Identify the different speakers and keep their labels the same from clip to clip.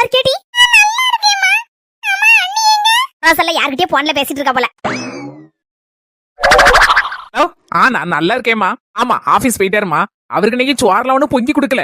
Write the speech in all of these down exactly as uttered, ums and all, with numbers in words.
Speaker 1: இருக்கியாடி? ரோசல்ல யார்கிட்டயே போன்ல பேசிட்டு இருக்கா போல.
Speaker 2: ஆ நான் நல்லா இருக்கேம்மா. ஆமா ஆபீஸ் போயிட்டாருமா. அவருக்கு நீங்க சோறுல ஒண்ணு பொங்கி கொடுக்கல.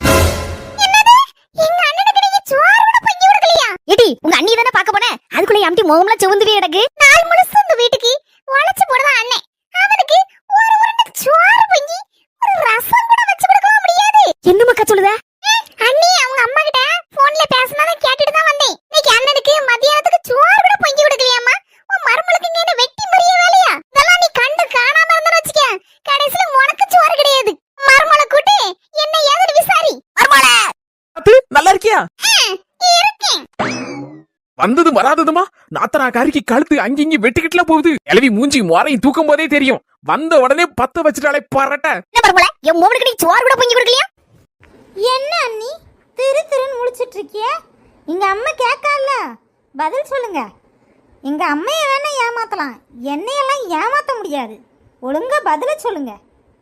Speaker 1: எங்க அண்ணனுக்கு நீங்க சோறு கூட பொங்கி கொடுக்கலையா? ஏடி உங்க அண்ணி தானே பாக்க போனே, அதுக்குள்ள எம்டி முகம்ல செவந்துவே கிடக்கு. நாள் முழுசு இந்த வீட்டுக்கு உழைச்சு போடுவான் அண்ணே. அவனுக்கு ஒரு உருண்டை சோறு பொங்கி ஒரு ரசம் கூட வச்சு கொடுக்க முடியாது. என்ன மக்கா சொல்லுத? அண்ணி அவங்க அம்மா கிட்ட போன்ல பேசினத கேட்டுட்டு தான் வந்தேன். இன்னைக்கு அண்ணனுக்கு மதியானத்துக்கு சோறு கூட பொங்கி கொடுக்கலையாமா? உன் மருமலுக்கு இங்க என்ன வெட்டி மறிய வேலையா? இதெல்லாம் நீ கண்டு காணாம இருந்தா வச்சுக்க, கடைசில உனக்கு சோறு கிடையாது. மருமலை கூட்டி என்ன ஏதுன்னு விசாரி. மருமலை
Speaker 2: நல்லா இருக்கியா?
Speaker 1: இருக்கேன்.
Speaker 2: வந்தது வராததுமா நாத்தனாக்காரிக்கு கழுத்து அங்கிங்கி வெட்டிக்கிட்டுல போகுது. எலவி மூஞ்சி முறையும் தூக்கும் போதே தெரியும். வந்த உடனே பத்த வச்சுட்டாலே பரட்ட.
Speaker 1: என்ன மருமலை, என் மோனுக்கு நீ சோறு கூட பொங்கி கொடுக்கலையா?
Speaker 3: என்ன அண்ணி திரு திருன்னு முழிச்சிட்டு இருக்கிய? எங்க அம்மா கேட்கல, பதில் சொல்லுங்க. எங்க அம்மைய வேணா ஏமாத்தலாம், என்னையெல்லாம் ஏமாத்த முடியாது. ஒழுங்கா பதில சொல்லுங்க.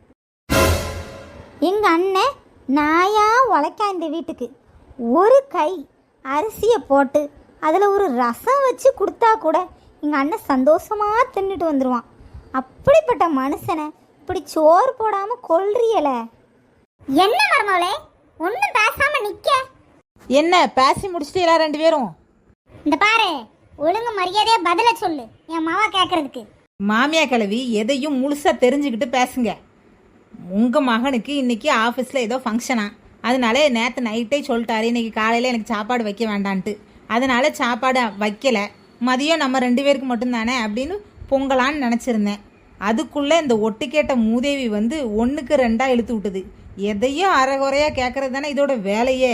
Speaker 3: எங்க அண்ணன் நாயா உழைக்கா இந்த வீட்டுக்கு ஒரு கை அரிசியை போட்டு அதில் ஒரு ரசம் வச்சு கொடுத்தா கூட எங்கள் அண்ணன் சந்தோஷமாக தின்னுட்டு வந்துடுவான். அப்படிப்பட்ட மனுஷனை இப்படி சோறு போடாமல் கொல்றியல.
Speaker 1: என்ன மருமகளே ஒன்னும் பேசாம நிக்க?
Speaker 3: என்ன பேசி முடிச்சிட்டீங்களா ரெண்டு பேரும்?
Speaker 1: இந்த பாரு, ஒழுங்கு மரியாதையா பதில சொல்லு என் மாவா கேக்குறதுக்கு.
Speaker 3: மாமியா கிழவி எதையும் முழுசா தெரிஞ்சுக்கிட்டு பேசுங்க. உங்க மகனுக்கு இன்னைக்கு ஆஃபீஸில் ஏதோ ஃபங்க்ஷனா, அதனால நேற்று நைட்டே சொல்லிட்டாரு இன்னைக்கு காலையில் எனக்கு சாப்பாடு வைக்க வேண்டான்ட்டு. அதனால சாப்பாடு வைக்கலை. மதியம் நம்ம ரெண்டு பேருக்கு மட்டும்தானே அப்படின்னு பொங்கலான்னு நினச்சிருந்தேன். அதுக்குள்ளே இந்த ஒட்டுக்கேட்ட மூதேவி வந்து ஒன்றுக்கு ரெண்டாக இழுத்து விட்டுது. எதையும் அரைகுறையாக கேட்கறது தானே இதோட வேலையே.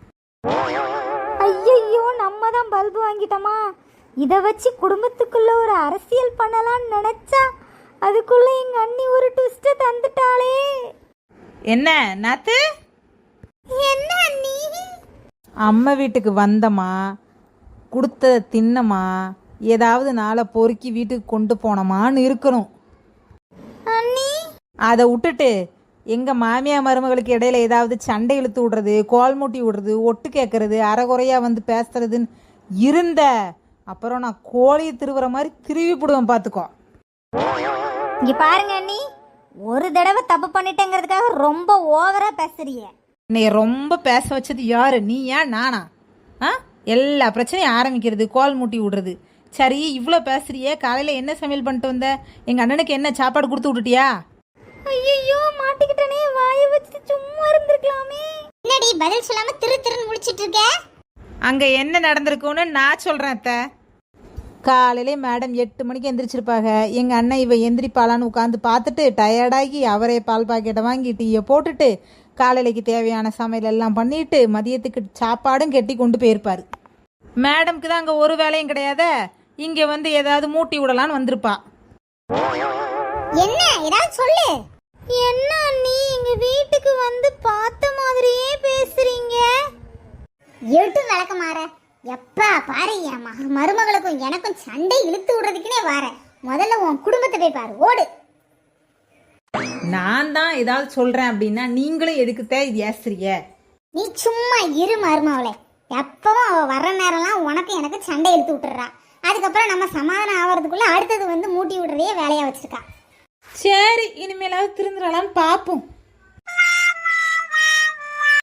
Speaker 3: ஐயோ நம்ம தான் பல்பு வாங்கிட்டோமா? இதை வச்சு குடும்பத்துக்குள்ள ஒரு அரசியல் பண்ணலான்னு நினச்சா அதுக்குள்ள எங்க அண்ணி ஒரு ட்விஸ்ட் தந்துட்டாளே. என்ன நாத்து?
Speaker 1: என்ன அண்ணி?
Speaker 3: அம்மா வீட்டுக்கு வந்தமா, கொடுத்த தின்னமா, ஏதாவது நாளை பொறுக்கி வீட்டுக்கு கொண்டு போனோமான்னு இருக்கணும்
Speaker 1: அண்ணி.
Speaker 3: அதை விட்டுட்டு எங்க மாமியா மருமகளுக்கு இடையில ஏதாவது சண்டை இழுத்து விடுறது, கோல் மூட்டி விடுறது, ஒட்டு கேட்கறது, அரைகுறையா வந்து பேசுறதுன்னு இருந்த அப்புறம் நான் கோழியை திருவுற மாதிரி திருவி போடுவேன் பார்த்துக்கோ.
Speaker 1: இங்க பாருங்க அண்ணி, ஒரு தடவை தப்பு பண்ணிட்டேங்கிறதுக்காக ரொம்ப ஓவரா பேசுறிய.
Speaker 3: நீ ரொம்ப பேச வச்சது யாரு, நீயா நானா? ஆ எல்லா பிரச்சனையும் ஆரம்பிக்கிறது, கோல் மூட்டி விடுறது. சரி இவ்வளோ பேசுறியே, காலையில் என்ன சமையல் பண்ணிட்டு வந்த? எங்கள் அண்ணனுக்கு என்ன சாப்பாடு கொடுத்து விட்டுட்டியா?
Speaker 1: ஐயோ மாட்டிக்கிட்டனே, வாயை வச்சு சும்மா இருந்திருக்கலாமே. என்னடி பதில் சொல்லாம திரு திருன்னு முழிச்சிட்டு இருக்க?
Speaker 3: அங்கே என்ன நடந்திருக்குன்னு நான் சொல்கிறேன் அத்தை. காலையிலே மேடம் எட்டு மணிக்கு எந்திரிச்சிருப்பாங்க. எங்கள் அண்ணன் இவ எந்திரிப்பாளான்னு உட்காந்து பார்த்துட்டு டயர்டாகி அவரே பால் பாக்கெட்டை வாங்கி டீயை போட்டுட்டு காலையிலைக்கு தேவையான சமையல் எல்லாம் பண்ணிட்டு மதியத்துக்கு சாப்பாடும் கெட்டி கொண்டு போயிருப்பார். மேடம்க்கு தான் அங்கே ஒரு வேலையும் கிடையாது, இங்கே வந்து ஏதாவது மூட்டி விடலான்னு வந்திருப்பா.
Speaker 1: என்ன ஏதாவது சொல்லு.
Speaker 3: என்ன நீ எங்க வீட்டுக்கு வந்து பார்த்த மாதிரியே பேசுறீங்க?
Speaker 1: எட்டு விளக்க மாற எப்பா பாரு, என் மருமகளுக்கும் எனக்கும் சண்டை இழுத்து விடுறதுக்குனே வார. முதல்ல உன் குடும்பத்தை போய் பாரு, ஓடு.
Speaker 3: நான் தான் ஏதாவது சொல்றேன் அப்படின்னா நீங்களும் எதுக்குத்தான் இது ஏசுறிய?
Speaker 1: நீ சும்மா இரு மருமகளே. எப்பவும் அவ வர்ற நேரம்லாம் உனக்கு எனக்கு சண்டை இழுத்து விட்டுறா. அதுக்கப்புறம் நம்ம சமாதானம் ஆகிறதுக்குள்ள அடுத்தது வந்து மூட்டி விடுறதையே வேலையா வச்சிருக்கா.
Speaker 3: சரி இனிமேலாவது திருந்துடலான்னு பார்ப்போம்.